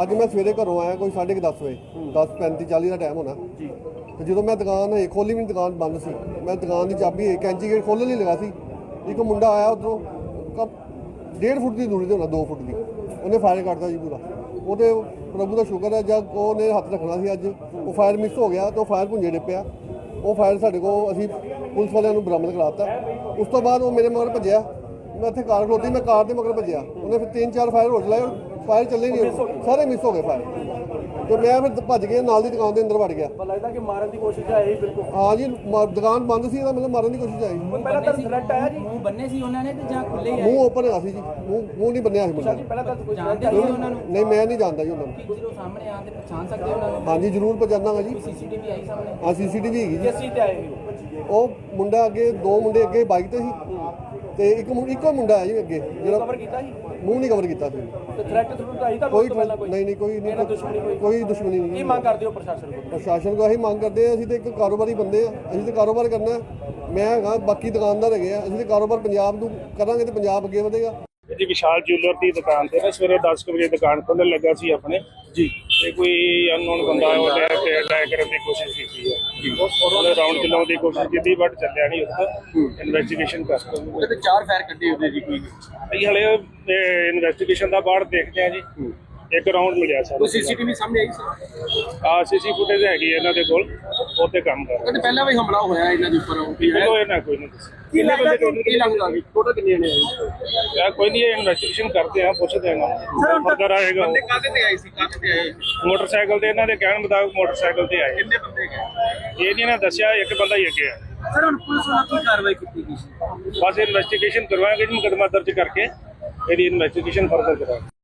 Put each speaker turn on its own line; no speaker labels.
ਅੱਜ ਮੈਂ ਸਵੇਰੇ ਘਰੋਂ ਆਇਆ ਕੋਈ 10:30 ਵਜੇ 10:35-40 ਦਾ ਟਾਈਮ ਹੋਣਾ ਜੀ। ਤੇ ਜਦੋਂ ਮੈਂ ਦੁਕਾਨ ਖੋਲੀ ਵੀ ਦੁਕਾਨ ਬੰਦ ਸੀ, ਮੈਂ ਦੁਕਾਨ ਦੀ ਚਾਬੀ ਕੈਂਚੀ ਗੇਟ ਖੋਲ੍ਹਣ ਲਈ ਲਗਾ ਸੀ। ਇੱਕ ਮੁੰਡਾ ਆਇਆ ਉੱਧਰੋਂ 1.5 ਫੁੱਟ ਦੀ ਦੂਰੀ 'ਤੇ ਹੋਣਾ 2 ਫੁੱਟ ਦੀ, ਉਹਨੇ ਫਾਇਰ ਕੱਢਤਾ ਜੀ ਪੂਰਾ। ਉਹਦੇ ਪ੍ਰਭੂ ਦਾ ਸ਼ੁਕਰ ਹੈ ਜਦ ਉਹਨੇ ਹੱਥ ਰੱਖਣਾ ਸੀ ਅੱਜ ਉਹ ਫਾਇਰ ਮਿਸ ਹੋ ਗਿਆ ਤੇ ਉਹ ਫਾਇਰ ਭੁੰਜੇ ਡਿੱਪਿਆ। ਉਹ ਫਾਇਰ ਸਾਡੇ ਕੋਲ ਅਸੀਂ ਪੁਲਿਸ ਵਾਲਿਆਂ ਨੂੰ ਬਰਾਮਦ ਕਰਾਤਾ। ਉਸ ਤੋਂ ਬਾਅਦ ਉਹ ਮੇਰੇ ਮਗਰ ਭੱਜਿਆ, ਮੈਂ ਇੱਥੇ ਕਾਰ ਖਲੋਤੀ, ਮੈਂ ਕਾਰ ਦੇ ਮਗਰ ਭੱਜਿਆ। ਉਹਨੇ ਫਿਰ 3-4 ਫਾਇਰ ਹੋ ਚਲਾਏ, ਫਾਇਰ ਚੱਲੇ ਨਹੀਂ, ਸਾਰੇ ਮਿਸ ਹੋ ਗਏ ਫਾਇਰ। ਤੇ ਮੈਂ ਫਿਰ ਭੱਜ ਕੇ ਨਾਲ ਦੀ ਦੁਕਾਨ ਦੇ ਅੰਦਰ ਵੜ ਗਿਆ।
ਲੱਗਦਾ ਕਿ ਮਾਰਨ ਦੀ ਕੋਸ਼ਿਸ਼ ਆਈ ਬਿਲਕੁਲ।
ਹਾਂ ਜੀ, ਦੁਕਾਨ ਬੰਦ ਸੀ, ਇਹਦਾ ਮਤਲਬ ਮਾਰਨ ਦੀ ਕੋਸ਼ਿਸ਼ ਆਈ।
ਪਹਿਲਾਂ ਤਾਂ ਥ੍ਰੈਟ ਆਇਆ ਜੀ,
ਮੂੰਹ ਬੰਨੇ ਸੀ ਉਹਨਾਂ ਨੇ ਤੇ ਜਾਂ ਖੁੱਲੇ ਹੀ ਆਏ?
ਮੂੰਹ ਓਪਨ ਹੈਗਾ ਸੀ ਜੀ, ਮੂੰਹ ਨਹੀਂ ਬੰਨਿਆ ਸੀ ਮੁੰਡਾ।
ਪਹਿਲਾਂ ਤਾਂ ਕੋਈ
ਜਾਣਦੇ ਸੀ ਉਹਨਾਂ ਨੂੰ?
ਨਹੀਂ, ਮੈਂ ਨਹੀਂ ਜਾਣਦਾ ਜੀ ਉਹਨਾਂ ਨੂੰ।
ਜਦੋਂ ਸਾਹਮਣੇ ਆਉਣ ਤੇ ਪਛਾਣ ਸਕਦੇ ਉਹਨਾਂ ਨੂੰ?
ਹਾਂਜੀ ਜ਼ਰੂਰ ਪਛਾਣਾਂਗਾ ਜੀ।
ਸੀਸੀਟੀਵੀ ਆਈ ਸਾਹਮਣੇ?
ਹਾਂ ਸੀਸੀਟੀਵੀ ਹੈਗੀ ਜੀ।
ਕਿਸ ਚੀਜ਼ ਤੇ ਆਏ ਸੀ
ਉਹ ਮੁੰਡਾ ਅੱਗੇ, 2 ਮੁੰਡੇ ਅੱਗੇ ਬਾਈਕ ਤੇ ਸੀ ਤੇ ਇੱਕੋ ਮੁੰਡਾ ਹੈ ਜੀ ਅੱਗੇ ਜਿਹੜਾ
ਕਵਰ ਕੀਤਾ ਸੀ?
ਮੂੰਹ ਨਹੀਂ ਕਵਰ ਕੀਤਾ ਸੀ।
ਤੇ ਥ੍ਰੈਟ ਥਰੂ ਆਈ ਤਾਂ
ਕੋਈ
ਪਹਿਲਾਂ ਕੋਈ
ਨਹੀਂ ਕੋਈ ਦੁਸ਼ਮਣੀ ਨਹੀਂ।
ਕੀ ਮੰਗ ਕਰਦੇ ਹੋ ਪ੍ਰਸ਼ਾਸਨ ਕੋਲ?
ਪ੍ਰਸ਼ਾਸਨ ਕੋਲ ਅਸੀਂ ਮੰਗ ਕਰਦੇ ਹਾਂ, ਅਸੀਂ ਤੇ ਇੱਕ ਕਾਰੋਬਾਰੀ ਬੰਦੇ ਆ, ਅਸੀਂ ਤੇ ਕਾਰੋਬਾਰ ਕਰਨਾ। ਮੈਂ ਹੈਗਾ, ਬਾਕੀ ਦੁਕਾਨਦਾਰ ਹੈਗੇ ਆ, ਅਸੀਂ ਤੇ ਕਾਰੋਬਾਰ ਪੰਜਾਬ ਨੂੰ ਕਰਾਂਗੇ ਤੇ ਪੰਜਾਬ ਅੱਗੇ ਵਧੇਗਾ।
ਜੀ ਵਿਸ਼ਾਲ ਜੁਐਲਰ ਦੀ ਦੁਕਾਨ ਤੇ ਨਾ ਸਵੇਰੇ 10 ਵਜੇ ਦੁਕਾਨ ਖੋਲ੍ਹਣ ਲੱਗਾ ਸੀ ਆਪਣੇ ਜੀ, ਤੇ ਕੋਈ ਅਨਨੋਨ ਬੰਦਾ ਉਹਨੇ ਅਟੈਕ ਕਰਨ ਦੀ ਕੋਸ਼ਿਸ਼ ਕੀਤੀ ਹੈ। ਉਹਨੇ ਰਾਉਂਡ ਚਲਾਉਣ ਦੀ ਕੋਸ਼ਿਸ਼ ਕੀਤੀ ਬਟ ਚੱਲਿਆ ਨਹੀਂ। ਉੱਥੇ ਇਨਵੈਸਟੀਗੇਸ਼ਨ ਕਰਦੇ
ਉਹਦੇ ਤੇ 4 ਫਾਇਰ ਕੱਢੇ ਉਹਦੇ ਜੀ ਕੋਈ
ਅਸੀਂ ਹਲੇ ਇਨਵੈਸਟੀਗੇਸ਼ਨ ਦਾ ਬਾਅਦ ਦੇਖਦੇ ਹਾਂ ਜੀ। ਇੱਕ ਰਾਉਂਡ ਮਿਲਿਆ ਸਰ।
ਸੀਸੀਟੀਵੀ ਸਾਹਮਣੇ ਆਈ ਸੀ?
ਸੀਸੀ ਫੁਟੇਜ ਹੈਗੀ ਇਹਨਾਂ ਦੇ ਕੋਲ, ਉਹ ਤੇ ਕੰਮ ਕਰ ਰਹੇ।
ਪਹਿਲਾਂ ਵੀ ਹਮਲਾ ਹੋਇਆ ਇਹਨਾਂ ਦੇ ਉੱਪਰ
ਚਲੋ ਇਹਨਾਂ ਕੋਈ ਨਹੀਂ ਦੱਸਿਆ।
ਕੀ ਲੱਗਦਾ ਕਿ ਟੋਟਲ ਕਿੰਨੇ ਨੇ ਆਏ?
ਯਾਰ ਕੋਈ ਨਹੀਂ, ਇਨਵੈਸਟੀਗੇਸ਼ਨ ਕਰਦੇ ਆ, ਪੁੱਛਦੇ ਆ ਨਾ ਫਰਦਰ ਆਏਗਾ।
ਬੰਦੇ ਕਾਹਦੇ ਤੇ ਆਏ ਸੀ, ਕਾਹਦੇ ਤੇ ਆਏ?
ਮੋਟਰਸਾਈਕਲ ਤੇ, ਇਹਨਾਂ ਦੇ ਕਹਿਣ ਮੁਤਾਬਕ ਮੋਟਰਸਾਈਕਲ ਤੇ ਆਏ।
ਕਿੰਨੇ ਬੰਦੇ ਗਏ?
ਇਹ ਨਹੀਂ ਨਾ ਦੱਸਿਆ, ਇੱਕ ਬੰਦਾ ਹੀ ਅੱਗੇ ਆ।
ਸਰ ਹੁਣ ਪੁਲਿਸ ਵੱਲੋਂ ਕੀ ਕਾਰਵਾਈ ਕੀਤੀ ਗਈ ਸੀ?
ਬਸ ਇਨਵੈਸਟੀਗੇਸ਼ਨ ਕਰਵਾएंगे ਜੀ, ਮੁਕੱਦਮਾ ਦਰਜ ਕਰਕੇ ਇਹਦੀ ਇਨਵੈਸਟੀਗੇਸ਼ਨ ਫਰਦਰ ਕਰਾਂਗੇ।